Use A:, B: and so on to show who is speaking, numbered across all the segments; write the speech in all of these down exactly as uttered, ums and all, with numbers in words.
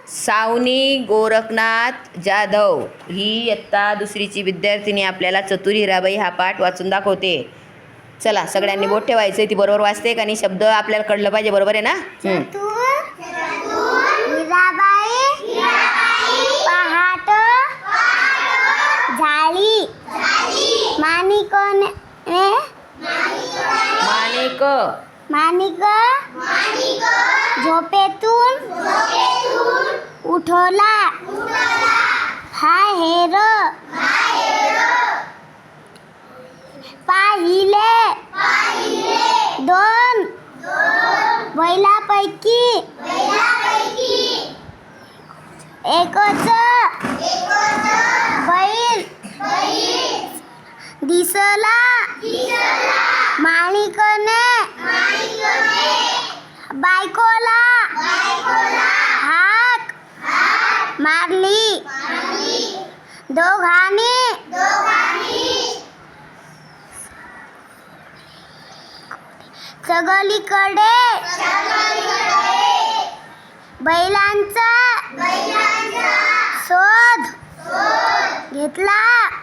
A: सावनी गोरखनाथ जाधव ही इयत्ता दुसरीची विद्यार्थिनी आपल्याला चतुर हिराबाई हा पाठ वाचून दाखवते. चला सगळ्यांनी बोट ठेवायचं. ती बरोबर वाचते का नाही शब्द आपल्याला कळलं पाहिजे. बरोबर आहे ना?
B: हिराबाई पहाट झाली माणिकने
A: माणिक
B: माणिक झोपेतून उठवला हा हेर पाहिले दोन बैलापैकी एकच बैल दिसला माणिकने बायकोला हाक मारली दोघांनी सगळीकडे बैलांचा शोध घेतला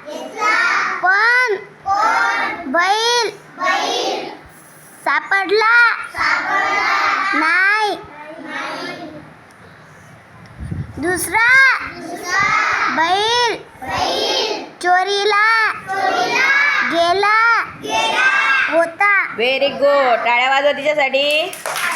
B: पण बैल सापडला नाही. दुसरा बैल चोरीला गेला होता.
A: Very good. टाळ्या वाजवा तिच्यासाठी.